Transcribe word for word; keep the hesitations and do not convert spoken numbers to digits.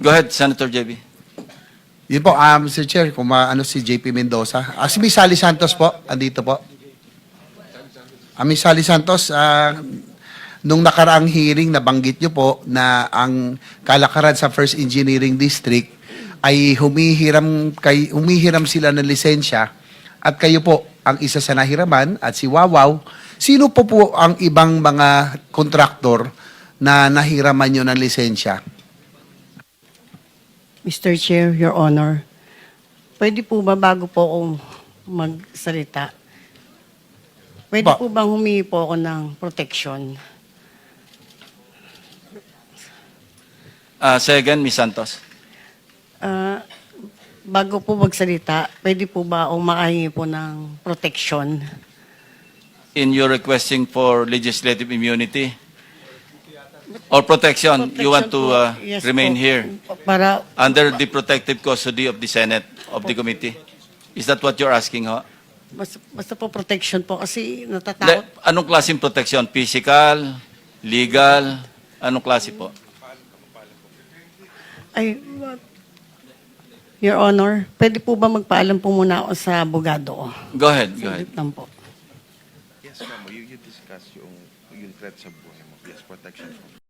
Go ahead, Senator J B. Yun po, um, Mister Chair, kung maano si J P Mendoza. Ah, si Miss Sally Santos po, andito po. Ah, Miss Sally Santos, ah, nung nakaraang hearing, nabanggit nyo po na ang kalakaran sa First Engineering District ay humihiram, kay, humihiram sila ng lisensya at kayo po ang isa sa nahiraman at si Wawaw. Sino po po ang ibang mga kontraktor na nahiraman nyo ng lisensya? Mister Chair, Your Honor, pwede po ba bago po ako magsalita, pwede Ba- po bang humingi po ako ng protection? Uh, say again, Miz Santos. Ah, bago po magsalita, pwede po ba ako makahingi po ng protection? In your requesting for legislative immunity or protection, you want to Protection uh, po, yes remain po. here Para, under the protective custody of the Senate, of the committee? Is that what you're asking, ho? basta, basta po protection po kasi Le- natatakot. anong klaseng protection? Physical? Legal? Anong klase po? Ay, Your Honor, pwede po ba magpaalam po muna ako sa abogado? Go ahead, go ahead. Saglit lang po. Yes, ma'am. You, you discuss yung, yung threat sa buhay mo. Yes, protection.